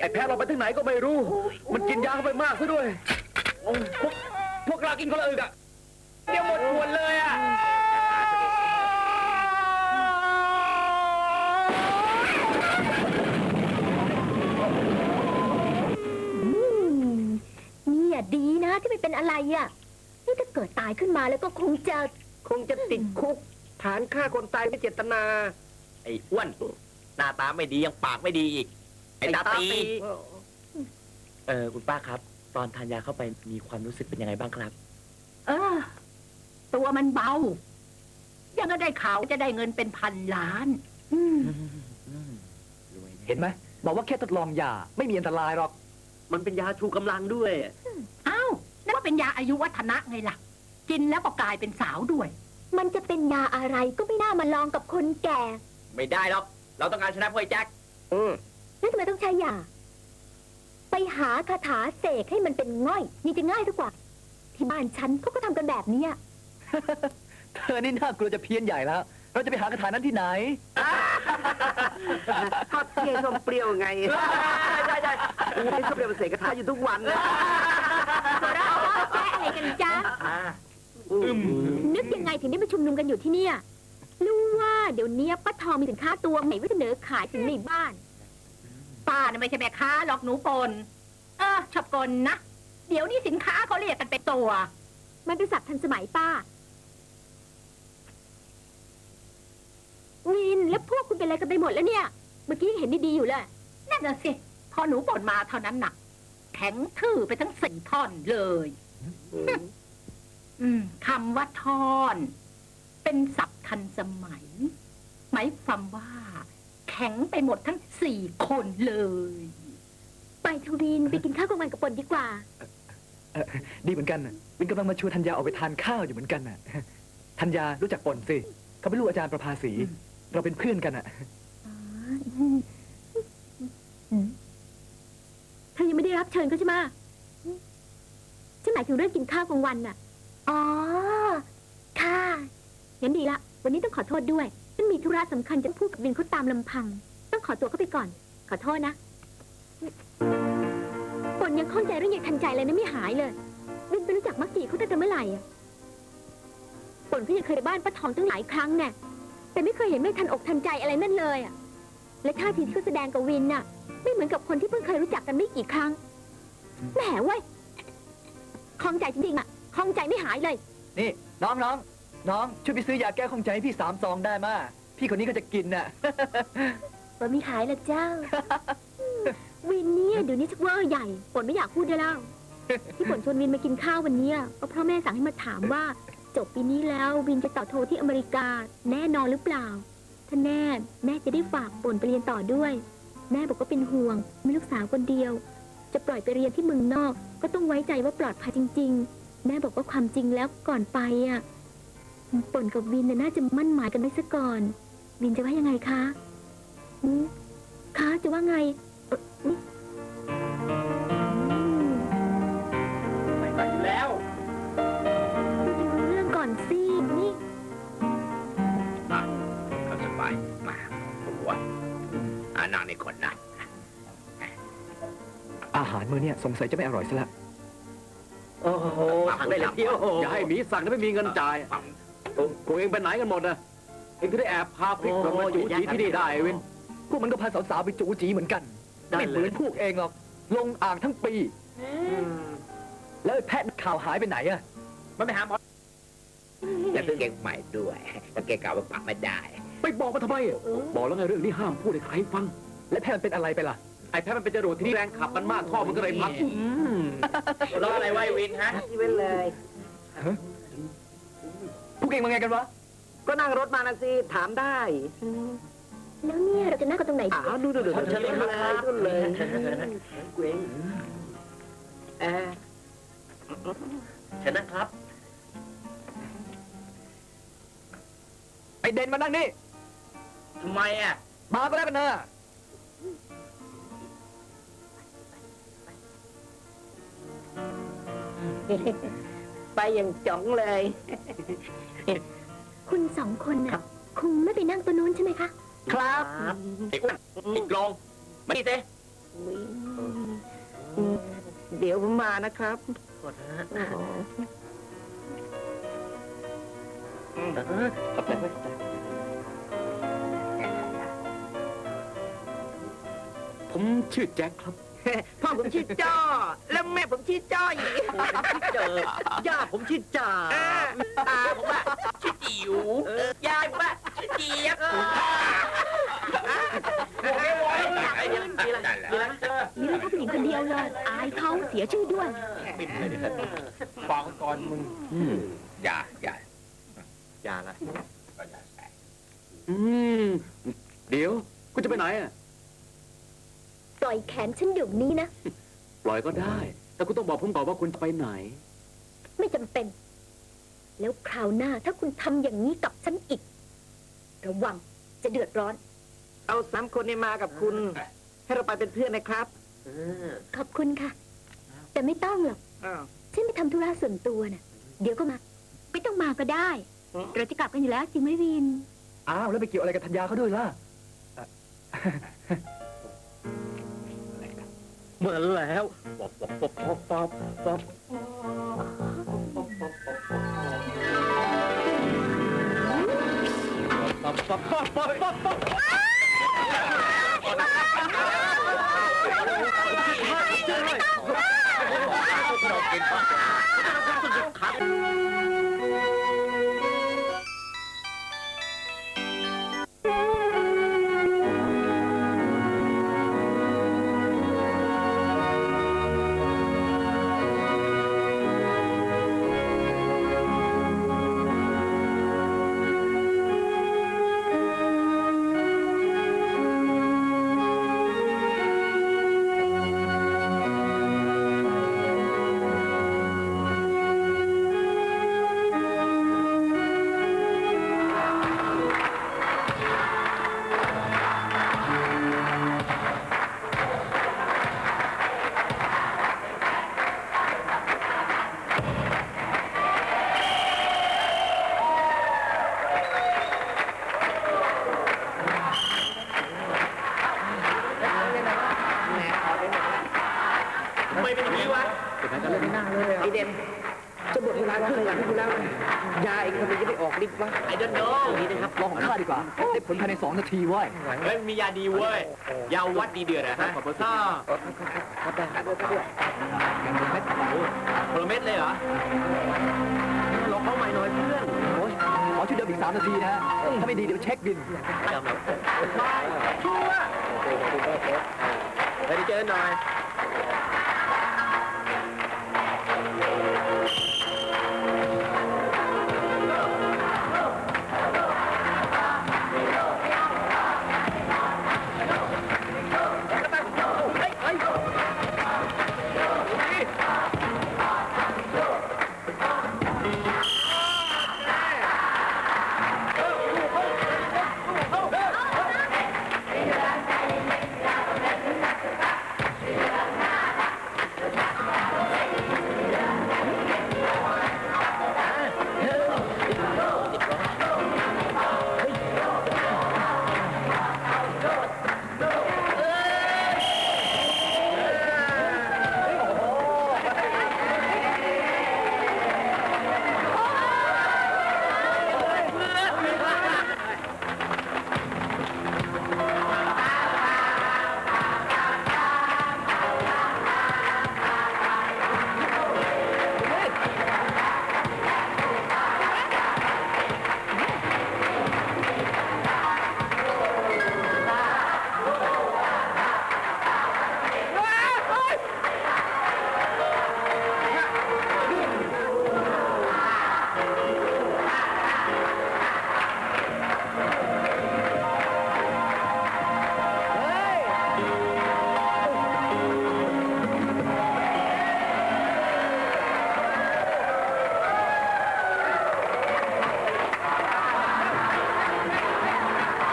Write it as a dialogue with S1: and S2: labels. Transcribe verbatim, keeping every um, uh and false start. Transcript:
S1: แพ้เราไปที่ไหนก็ไม่รู้มันกินยาเข้าไปมากซะด้วยพวกพวกเรากินคนละอึกอะเดี๋ยวหมดขวดเลยอะ
S2: นี่ดีนะที่ไม่เป็นอะไรอ่ะนี่ถ้าเกิดตายขึ้นมาแล้วก็คงจะ
S3: คงจะติดคุกฐานฆ่าคนตายไม่เจตนา
S4: ไอ้อ้วนหน้าตาไม่ดียังปากไม่ดีอีกไอ้ตาตีเออคุณป้าครับตอนทานยาเข้าไปมีความรู้สึกเป็นยังไงบ้างครับ
S5: เออตัวมันเบายังก็ได้ข่าวจะได้เงินเป็นพันล้าน
S1: เห็นไหมบอกว่าแค่ทดลองยาไม่มีอันตรายหรอก
S3: มันเป็นยาชูกำลังด้วย
S5: อ้าวนั่นก็เป็นยาอายุวัฒนะไงล่ะกินแล้วก็กลายเป็นสาวด้วย
S2: มันจะเป็นยาอะไรก็ไม่น่ามาลองกับคนแก่
S4: ไม่ได้หรอกเราต้องการชนะพวกไอ้แจ็ค
S2: อืมแล้วทำไมต้องใช้ยาไปหาคาถาเสกให้มันเป็นง่อยนี่จะง่ายทุกกว่าที่บ้านฉันเขาก็ทำกันแบบนี้
S1: เธอนี่น่ากลัวจะเพี้ยนใหญ่แล้วเราจะไปหาคาถานั้นที่ไหน
S3: ทอดเทียนส้มเปรี้ยวไงใช่ใช่ใช่ส้มเปรี้ยวเสกคาถาอยู่ทุกวันเลย
S2: เราแก้อะไรกันจ๊ะนึกยังไงถึงได้มาชุมนุมกันอยู่ที่นี่รู้ว่าเดี๋ยวนี้ป้าทองมีสินค้าตัวใหม่ไว้เสนอขายถึงในบ้าน
S5: ป้าน่ะไม่ใช่แม่ค้าหรอกหนูปนเออชอบกลนะเดี๋ยวนี้สินค้าเขาเรียกกันเป็นตัว
S2: มันเป็นศัพท์ทันสมัยป้าวินแล้วพวกคุณเป็นอะไรกันไปหมดแล้วเนี่ยเมื่อกี้เห็นดีๆอยู่เลย
S5: นั่นน่ะสิพอหนูปนมาเท่านั้นหนักแข็งทื่อไปทั้งสี่ท่อนเลยอืมคำว่าท่อนเป็นศัพท์ทันสมัยหมายความว่าแข็งไปหมดทั้งสี่คนเลย
S2: ไปทวินไปกินข้าวกลางวันกับปนดีกว่า
S1: ดีเหมือนกันวินกำลังมาชวนธัญญาออกไปทานข้าวอยู่เหมือนกันน่ะธัญญารู้จักปนสิเขาเป็นลูกอาจารย์ประภาสีเราเป็นเพื่อนกันอ่ะ
S2: เธอยังไม่ได้รับเชิญเขาใช่ไหมฉันหมายถึงเรื่องกินข้าวกลางวันน่ะอ๋อค่ะงั้นดีละวันนี้ต้องขอโทษด้วยฉันมีธุระสำคัญจะพูดกับวินเขาตามลำพังต้องขอตัวเข้าไปก่อนขอโทษนะปนยังข้องใจเรื่องยังทันใจเลยนะไม่หายเลยวินไปรู้จักมักจีเขาตั้งแต่เมื่อไหร่อ่ะปนเขายังเคยไปบ้านป้าทองตั้งหลายครั้งแน่แต่ไม่เคยเห็นไม่ทันอกทันใจอะไรนั่นเลยอ่ะและท่าทีที่เขาแสดงกับวินน่ะไม่เหมือนกับคนที่เพิ่งเคยรู้จักกันไม่กี่ครั้งแหมเว้ยข้องใจจริงๆอ่ะข้องใจไม่หายเลย
S1: นี่น้องน้องน้องช่วยไปซื้อยาแก้ข้องใจให้พี่สามซองได้มาพี่คนนี้ก็จะกินน่ะ
S2: ปนไม่ขายละเจ้าวินเนี่ยเดี๋ยวนี้ชักว่าใหญ่ปนไม่อยากพูดได้แล้วที่ปนชวนวินมากินข้าววันนี้ก็เพราะแม่สั่งให้มาถามว่าจบปีนี้แล้ววินจะต่อโทที่อเมริกาแน่นอนหรือเปล่าถ้าแน่แม่จะได้ฝากปนไปเรียนต่อด้วยแม่บอกว่าเป็นห่วงมีลูกสาวคนเดียวจะปล่อยไปเรียนที่เมืองนอกก็ต้องไว้ใจว่าปลอดภัยจริงๆแม่บอกว่าความจริงแล้วก่อนไปอ่ะปนกับวินน่าจะมั่นหมายกันไว้ซะก่อนวินจะว่ายังไงคะคะจะว่าไง
S4: ไม่ไปแล้ว
S2: เรื่องก่อนสินี่
S4: เขาสบายมาผมว่าอานาในคนนะ
S1: อาหารมื้อเนี่ยสงสัยจะไม่อร่อยซะละ
S3: โอ้โหสั่งได้เลยเที่ยว
S1: อย่าให้หมีสั่งถ้าไม่มีเงินจ่ายกูเองไปไหนกันหมดนะเองก็ได้แอบพาพริกมาจูจีที่นี่ได้เว้นพวกมันก็พาสาวๆไปจูจีเหมือนกันไม่เหมือนพวกเองหรอกลงอ่างทั้งปีแล้วแพทย์ข่าวหายไปไหนอะ
S4: มันไปหาหมอจะซื้อเกงใหม่ด้วยแต่เกงเก่าไปปักไม่ได้
S1: ไปบอกมาทำไมบอกแล้วไงเรื่องนี้ห้ามพูดให้ใครฟังและแพทย์มันเป็นอะไรไปล่ะไอ้แพทย์มันเป็นจรวดที่นี่แรงขับมันมากท่อมันก็เลยพัง
S4: รออะไรไว้วินฮะ
S3: ที่เว้นเลย
S1: พวกเองมาไงกันวะ
S3: ก็นั่งรถมานะสิถามได้
S2: แล้วเนี่ยเราจะนั่งกันตรงไหน
S3: อ้าวดูดูดูเชิญเลยดูเลยเกวงเออ
S4: เชิญนะครับ
S1: ไอเด่นมานั่งนี่
S4: ทำไมอ่ะ
S1: มาก็แล้วกันนะ
S3: ไปอย่างจ๋องเลย
S2: คุณสองคนน่ะคงไม่ไปนั่งตัวนู้นใช่ไหมคะ
S3: ครับ
S4: อีกอีกลองมาดิเต้
S3: เดี๋ยวผมมานะครับ
S4: ขอโทษนะ
S3: อ๋อ
S4: เออขอบใจเว้ย
S1: ผมชื่อแจ็คครับ
S3: พ่อผมชื่อจ้อ แล้วแม่ผมชื่อจ้อย
S4: เจอย่าผมชื่อจ่าตาผมอะชื่อจิ๋วยายผมอะชื่อเจี๊ยบไม่ไหวไอ้ยังมีอะไรมีอะไร
S2: มีเรื่องเขาผู้หญิงคนเดียวเลย อายเขาเสียชื่อด้วย
S4: ปิดเลยดิฟังก่อนมึงอย่าอย่าอย่าละ
S1: อืม เดี๋ยว คุณจะไปไหนอ่ะ
S2: ปล่อยแขนฉันเดี๋ยวนี้นะ
S1: ปล่อยก็ได้ แต่คุณต้องบอกผมก่อนว่าคุณจะไปไหน
S2: ไม่จำเป็น แล้วคราวหน้าถ้าคุณทำอย่างนี้กับฉันอีก ระวังจะเดือดร้อน
S3: เอาสามคนนี้มากับคุณ ให้เราไปเป็นเพื่อนนะครับ
S2: ขอบคุณค่ะ แต่ไม่ต้องหรอก
S3: อ้าว
S2: ฉันไปทำธุระส่วนตัวน่ะ เดี๋ยวก็มา ไม่ต้องมาก็ได้
S3: อืม
S2: เราจะกลับกันอยู่แล้วจริงไหมวิน
S1: อ้าว แล้วไปเกี่ยวอะไรกับธัญญาเขาด้วยล่ะ
S4: เหมือนแล้วป๊อปป๊อปป๊อปป๊อปป๊อปป๊อปป๊อปป๊อปป๊อปป๊อปป๊อปเราเป็นป๊อป
S3: ไอเด่นจะหมดเวลาครึ่งหลังอยู่แล้ว ยาอีกคนนึงจะได้ออกฤทธิ์วะ
S4: ไอ้เดนโน่นี่นะครับ
S1: ลองของข้าดีกว่า ได้ผลภายในสองนาทีเว้ย
S4: เฮ้ยมียาดีเว้ย ยาวัดดีเดือดนะฮะถ้า
S3: ครับได้ครับด้วย
S1: ยังเป็นเม็ด
S4: โปรเม็ดเลยเหรอ
S3: ลองเข้าใหม่หน่อยเพื่อน
S1: โอ้ยขอชุดเดิมอีกสามนาทีนะฮะ ถ้าไม่ดีเดี๋ยวเช็คบิน
S4: ชัวร์ไปเจอหน่อย